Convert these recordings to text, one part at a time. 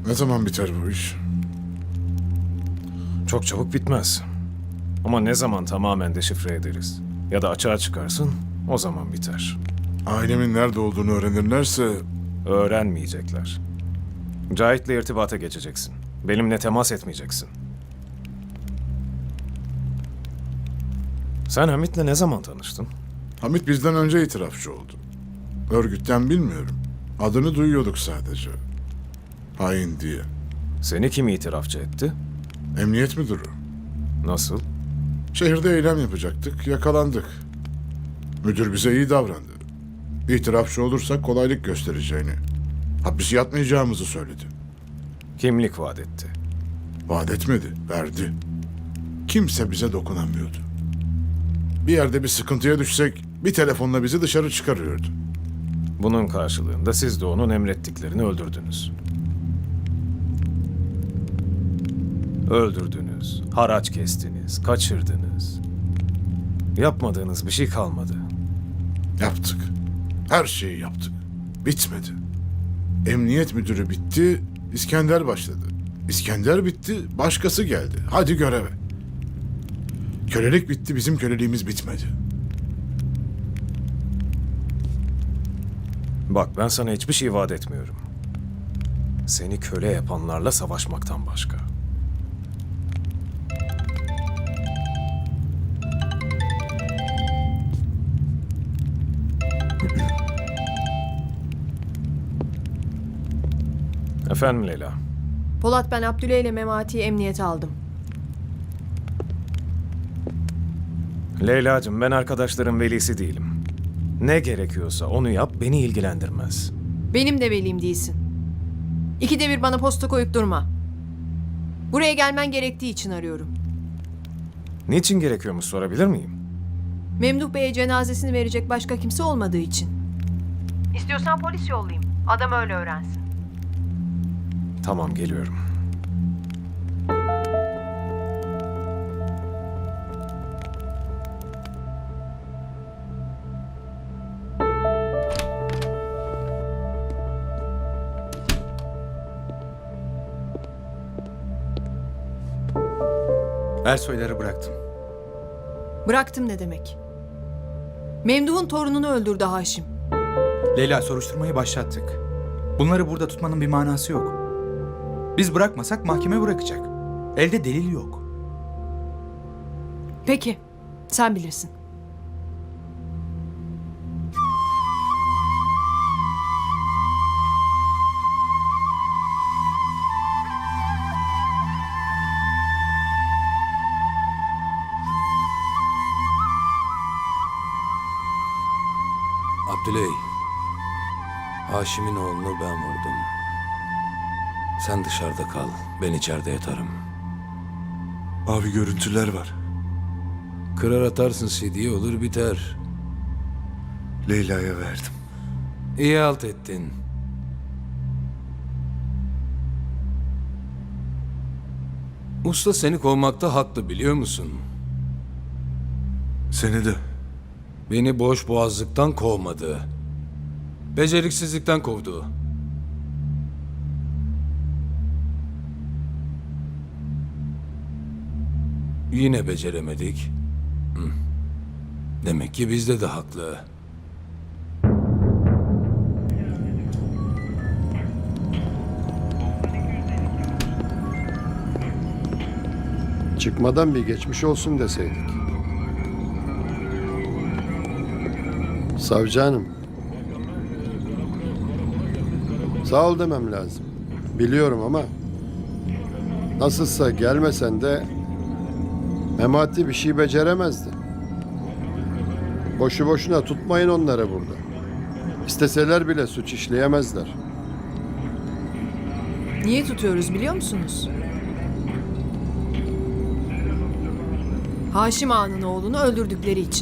Ne zaman biter bu iş? Çok çabuk bitmez. Ama ne zaman tamamen deşifre ederiz ya da açığa çıkarsın, o zaman biter. Ailemin nerede olduğunu öğrenirlerse... Öğrenmeyecekler. Cahit'le irtibata geçeceksin. Benimle temas etmeyeceksin. Sen Hamit'le ne zaman tanıştın? Hamit bizden önce itirafçı oldu. Örgütten bilmiyorum. Adını duyuyorduk sadece. Hain diye. Seni kim itirafçı etti? Emniyet müdürü. Nasıl? Şehirde eylem yapacaktık, yakalandık. Müdür bize iyi davrandı. İtirafçı olursak kolaylık göstereceğini, hapis yatmayacağımızı söyledi. Kimlik vaat etti. Vaat etmedi, verdi. Kimse bize dokunamıyordu. Bir yerde bir sıkıntıya düşsek bir telefonla bizi dışarı çıkarıyordu. Bunun karşılığında siz de onun emrettiklerini öldürdünüz. Öldürdünüz, haraç kestiniz, kaçırdınız. Yapmadığınız bir şey kalmadı. Yaptık. Her şeyi yaptık. Bitmedi. Emniyet müdürü bitti, İskender başladı. İskender bitti, başkası geldi. Hadi göreve. Kölelik bitti, bizim köleliğimiz bitmedi. Bak ben sana hiçbir şey vaat etmiyorum. Seni köle yapanlarla savaşmaktan başka. Efendim Leyla. Polat, ben Abdüle ile Memati'yi emniyete aldım. Leyla'cığım, ben arkadaşların velisi değilim. Ne gerekiyorsa onu yap, beni ilgilendirmez. Benim de velim değilsin. İkide bir bana posta koyup durma. Buraya gelmen gerektiği için arıyorum. Niçin gerekiyormuş sorabilir miyim? Memduh Bey'e cenazesini verecek başka kimse olmadığı için. İstiyorsan polis yollayayım. Adam öyle öğrensin. Tamam, geliyorum. Ersoyları bıraktım. Bıraktım ne demek? Memduh'un torununu öldürdü Haşim. Leyla, soruşturmayı başlattık. Bunları burada tutmanın bir manası yok. Biz bırakmasak mahkeme bırakacak. Elde delil yok. Peki, sen bilirsin. Abdüley, Haşim'in oğlunu ben vurdum. Sen dışarıda kal, ben içeride yatarım. Abi görüntüler var. Kırar atarsın CD'yi, olur biter. Leyla'ya verdim. İyi halt ettin. Usta seni kovmakta haklı, biliyor musun? Seni de. Beni boş boğazlıktan kovmadı. Beceriksizlikten kovdu. Yine beceremedik. Hı. Demek ki bizde de haklı. Çıkmadan bir geçmiş olsun deseydik. Savcı hanım. Sağ ol demem lazım. Biliyorum ama nasılsa gelmesen de Memati bir şey beceremezdi. Boşu boşuna tutmayın onları burada. İsteseler bile suç işleyemezler. Niye tutuyoruz biliyor musunuz? Haşim Ağa'nın oğlunu öldürdükleri için.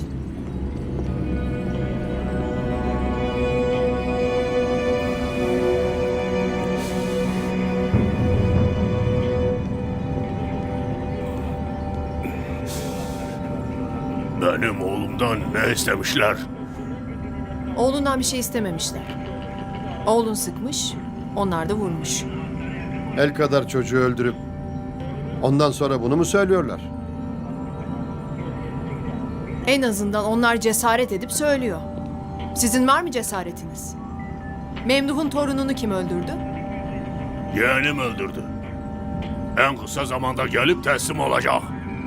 Benim oğlumdan ne istemişler? Oğlundan bir şey istememişler. Oğlun sıkmış, onlar da vurmuş. El kadar çocuğu öldürüp ondan sonra bunu mu söylüyorlar? En azından onlar cesaret edip söylüyor. Sizin var mı cesaretiniz? Memduh'un torununu kim öldürdü? Yeğenim öldürdü. En kısa zamanda gelip teslim olacak.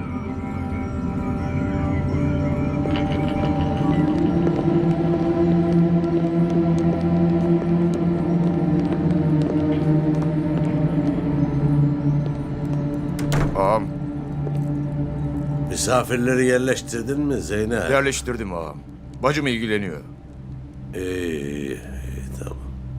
Ağam, Misafirleri yerleştirdin mi Zeynep? yerleştirdim ağam. Bacım ilgileniyor. İyi, tamam.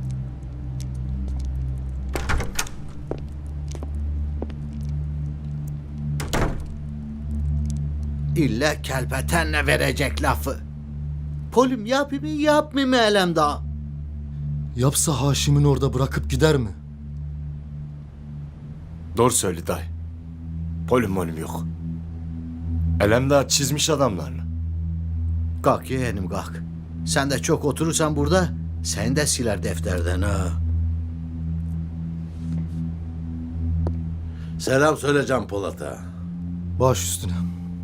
İlle kelpetenle verecek lafı. Polim yapayım mı yapmayayım mı elem daha? Yapsa Haşim'in orada bırakıp gider mi? Doğru söyle dayı. Polim molim yok. Elemdağ çizmiş adamlarla. Kalk yeğenim kalk. Sen de çok oturursan burada seni de siler defterden ha. Selam söyle Can Polat'a. Baş üstüne.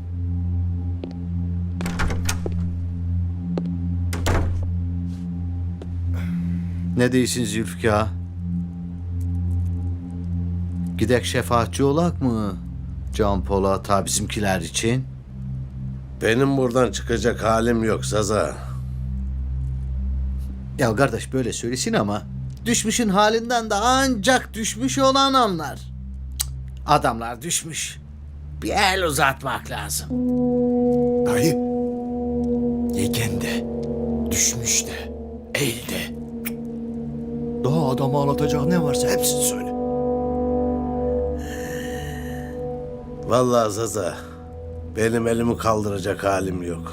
Ne diyorsun Zülfikar? Gidek şefaatçi olak mı? Can Polat'a bizimkiler için. Benim buradan çıkacak halim yok Saza. Ya kardeş böyle söylesin ama düşmüşün halinden de ancak düşmüş olan anlar. Cık, adamlar düşmüş. Bir el uzatmak lazım. Dayı. Yegen de, düşmüş de, eğil de. Daha adamı anlatacak ne varsa hepsini söyle. Vallahi Saza, benim elimi kaldıracak halim yok.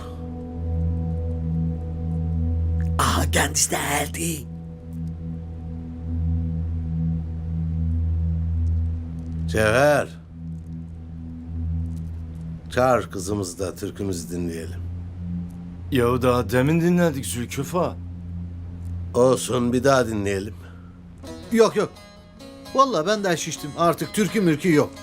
Aha kendisi de geldi. Cevher. Çağır kızımızı da türkümüzü dinleyelim. Ya daha demin dinledik Zülküfa. Olsun bir daha dinleyelim. Yok yok. Vallahi ben de şiştim. Artık türkü mürkü yok.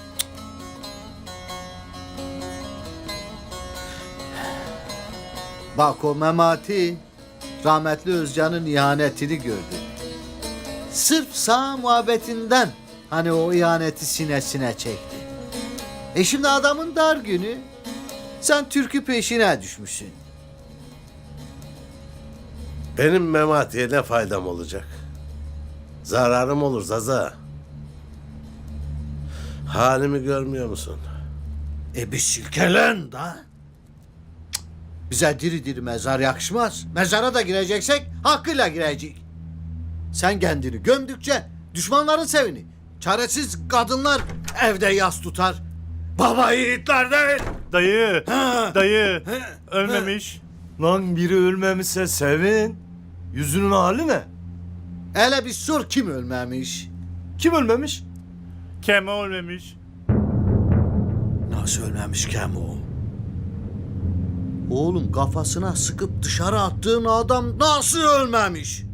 Bak o Memati rahmetli Özcan'ın ihanetini gördü. Sırf sağ muhabbetinden hani o ihaneti sinesine çekti. Şimdi adamın dar günü sen türkü peşine düşmüşsün. Benim Memati'ye ne faydam olacak? Zararım olur Zaza. Halimi görmüyor musun? Bir silkelen da. Cık, bize diri diri mezar yakışmaz. Mezara da gireceksek hakkıyla girecek. Sen kendini gömdükçe düşmanların sevini. Çaresiz kadınlar evde yas tutar. Baba yiğitler değil. Dayı, Ha. dayı. Ölmemiş. Lan biri ölmemişse sevin. Yüzünün hali ne? Hele bir sor kim ölmemiş. Kim ölmemiş? Kemal ölmemiş. Nasıl ölmemiş Kemo? Oğlum kafasına sıkıp dışarı attığın adam nasıl ölmemiş? Cık.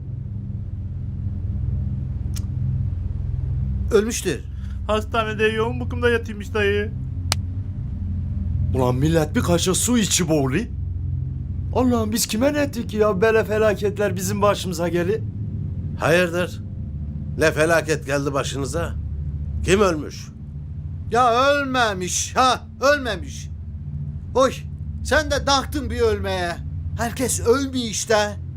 Ölmüştür. Hastanede yoğun bakımda yatıyormuş dayı. Ulan millet bir kaşık su içi boğulu. Allah'ım biz kime ne ettik ya? Böyle felaketler bizim başımıza geli. Hayırdır? Ne felaket geldi başınıza? Kim ölmüş? Ya ölmemiş ha ölmemiş. Oy sen de taktın bir ölmeye. Herkes ölmüyor işte.